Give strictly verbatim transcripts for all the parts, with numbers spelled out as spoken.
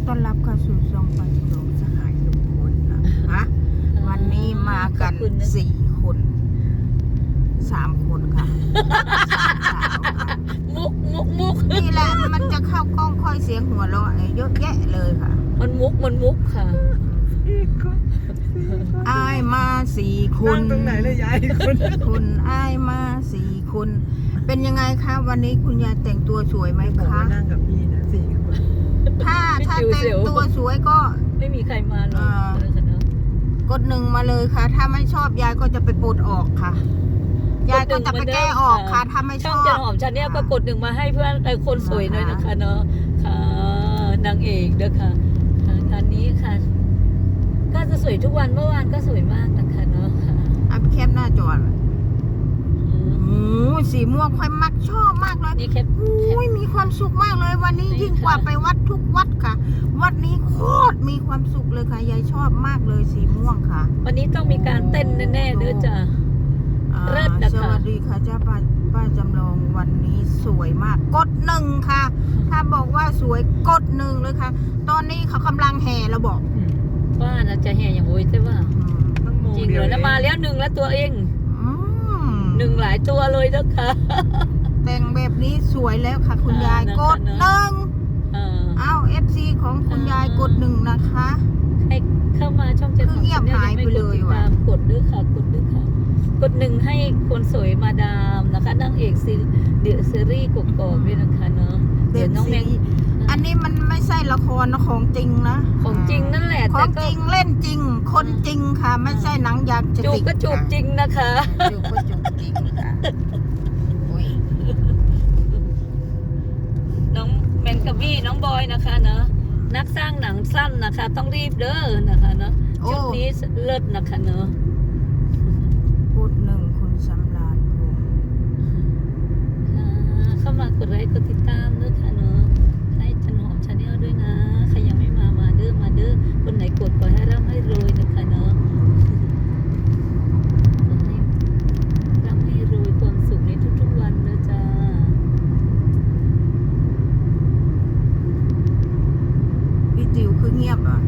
ต้อนรับเข้าสู่ช่องปันโรงสหายลุงพลนะคะวันนี้มากันสี่คนสามคนค่ะสามสาวค่ะมุกมุกมุกนี่แหละมันจะเข้ากล้องค่อยเสียงหัวเราะเยอะแยะเลยค่ะมันมุกมันมุกค่ะอายมาสี่คนตรงไหนเลยยายคนคุณอายมาสี่คนเป็นยังไงคะวันนี้คุณยายแต่งตัวสวยไหมคะนั่งกับพี่นะสี่คนถ้าถ้าแต่งตัวสวยก็ไม่มีใครมาหรอกกดหนึ่งมาเลยค่ะถ้าไม่ชอบยายก็จะไปปลดออกค่ะยายก็จะไปแก้ออกค่ะถ้าไม่ชอบช่องจันหอมชันเนี่ยก็กดหนึ่งมาให้เพื่อนไอ้คนสวยหน่อยนะคะเนาะค่ะนางเอกเด้อค่ะงานนี้ค่ะก็จะสวยทุกวันเมื่อวานก็สวยมากนะคะเนาะค่ะอัพแคปหน้าจอโอ้สีม่วงค่อยมักชอบมากเลยนี่แคปอุ้ยมีความสุขมากเลยวันนี้ยิ่งกว่าไปวัดทุกวัดค่ะวัดนี้โคตรมีความสุขเลยค่ะยายชอบมากเลยสีม่วงค่ะวันนี้ต้องมีการเต้นแน่ๆเด้อจ้ะเลิศนะคะสวัสดีค่ะเจ้าป้าป้าจำลองวันนี้สวยมากกดหนึ่งค่ะถ้าบอกว่าสวยกดหนึ่งเลยค่ะตอนนี้เขากำลังแห่เราบอกว่าน่าจะแห่อย่างโว้ยใช่ป่ะจริงเหรอแล้วมาแล้วหนึ่งแล้วตัวเองหนึ่งหลายตัวเลยนะคะแต่งแบบนี้สวยแล้วค่ะคุณยายกดหนึ่งอ้าวเอฟซีของคุณยายกดหนึ่งนะคะให้เข้ามาช่องเจ็ดเงียบหายไปเลยว่ะกดด้วยค่ะกดด้วยค่ะกดหนึ่งให้คนสวยมาดามนะคะนางเอกซีเดอะซีรีส์กกอกด้วยนะคะเนาะเดี๋ยวน้องแมงอันนี้มันไม่ใช่ละครนะของจริงนะของจริงนั่นแหละของจริงเล่นจริงคนจริงค่ะไม่ใช่หนังยางจะติดจูบก็จูบจริงนะคะจูบก็จูบจริงค่ะน้องแมงกะบี้น้องบอยนะคะเนาะนักสร้างหนังสั้นนะคะต้องรีบเด้อนะคะเนาะชุดนี้เลิศนะคะเนาะพูดหนึ่งคุณสำราญพงษ์เข้ามากดไลค์กดติดตามด้วยค่ะเนาะให้จันหอมชาแนลด้วยนะใครยังไม่มามาเด้อมาเด้อคนไหนกดขอให้ร่ำให้รวยนะคะเนาะร่ำให้รวยความสุขในทุกๆวันนะจ๊ะพี่จิ๋วคือเงียบอ่ะ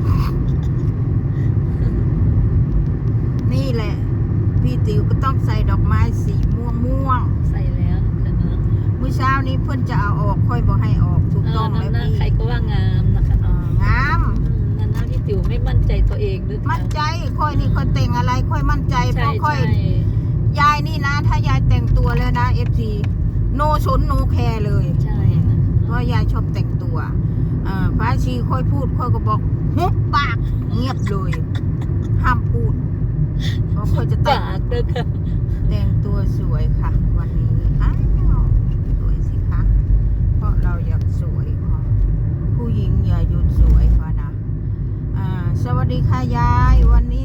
นี่แหละพี่ติ๋วก็ต้องใส่ดอกไม้สีม่วงม่วงใส่แล้วค่ะเนาะเมื่อเช้านี้เพื่อนจะเอาออกค่อยบอกให้ออกถูกต้องแล้วพี่ใครก็ว่างามนะคะงามนั่นนะพี่ติ๋วไม่มั่นใจตัวเองด้วยมั่นใจค่อยนี่ค่อยแต่งอะไรค่อยมั่นใจเพราะค่อยยายนี่นะถ้ายายแต่งตัวแล้วนะเอฟซีโนชนโนแคร์เลยใช่เพราะยายชอบแต่งตัวฟ้าชีค่อยพูดค่อยก็บอกหุบปากเงียบเลยห้ามพูดเพราะค่อยจะแต่งแต่งตัวสวยค่ะวันนี้อ้าวสวยสิคะเพราะเราอยากสวยค่ะผู้หญิงอย่าหยุดสวยค่ะนะอ่าสวัสดีค่ะยายวันนี้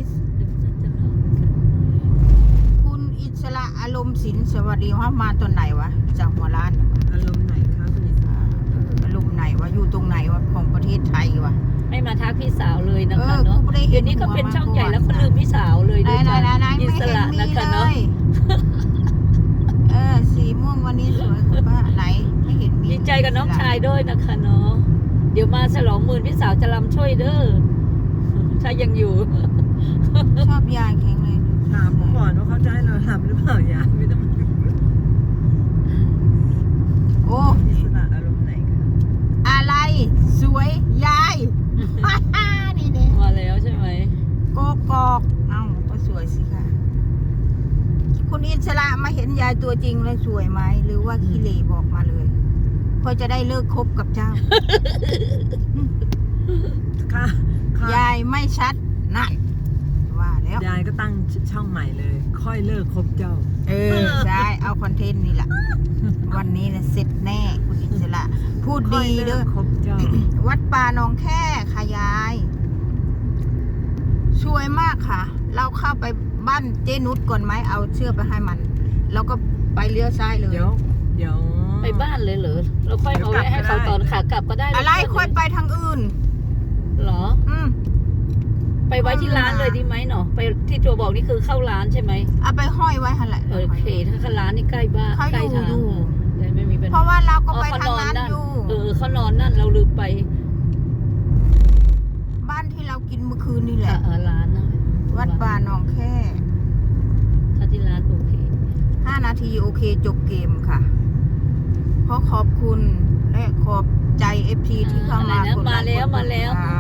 คุณอิสระอารมณ์ศิลป์สวัสดีว่ามาตอนไหนวะจากหัวร้านอารมณ์ไหนคะคุณอิสระอารมณ์ไหนวะอยู่ตรงไหนวะของประเทศไทยวะไม่มาทักพี่สาวเลยนะคะเนาะเดี๋ยวนี้ก็เป็นช่องใหญ่แล้วก็ลืมพี่สาวเลยด้วยจ้ะอิสระนะคะเนาะเออสีม่วงวันนี้สวยคุณป้าไหนไม่เห็นมีดีใจกับน้องชายด้วยนะคะเนาะเดี๋ยวมาฉลองหมื่นพี่สาวจะรำช่วยเด้อถ้ายังอยู่ชอบยายแข็งเลยถามก่อนว่าเขาจะให้เราทำหรือเปล่ายายไม่ต้องโอ้อิสระอารมณ์ไหนคะอะไรสวยยายนี่เนี่ยมาแล้วใช่ไหมโกกอกเอ้าก็สวยสิค่ะคุณอิสระมาเห็นยายตัวจริงแล้วสวยไหมหรือว่าขี้เหร่บอกมาเลยค่อยจะได้เลิกคบกับเจ้าค่ะยายไม่ชัดนั่นว่าแล้วยายก็ตั้งช่องใหม่เลยค่อยเลิกคบเจ้าเออใช่เอาคอนเทนต์นี่แหละวันนี้นะเสร็จแน่คุณอิสระพูดดีเด้อวัดป่าหนองแค่ค่ะยายช่วยมากค่ะเราเข้าไปบ้านเจนุชก่อนไหมเอาเชือกไปให้มันแล้วก็ไปเลี้ยวซ้ายเลยเดี๋ยวเดี๋ยวไปบ้านเลยเหรอเราค่อยเอาไว้ให้เขาตอนขากลับก็ได้อะไรค่อยไปทางอื่นเหรออืมไปไว้ที่ร้านเลยดีไหมเนาะไปที่ตัวบอกนี่คือเข้าร้านใช่ไหมเอาไปห้อยไว้หั่นแหละโอเคถ้าเข้าร้านนี่ใกล้บ้านใกล้ทางไม่มีปัญหาเพราะว่าเราก็ไปทางนั้นอยู่เออเขานอนนั่นเราลืมไปดป่าหนองแค่ถ้าที่ร้านโอเคห้านาทีโอเคจบเกมค่ะ เพราะขอบคุณและขอบใจเอฟซีที่เข้ามาอะไรนะกดไลค์มาแล้วกดมาแล้วติดต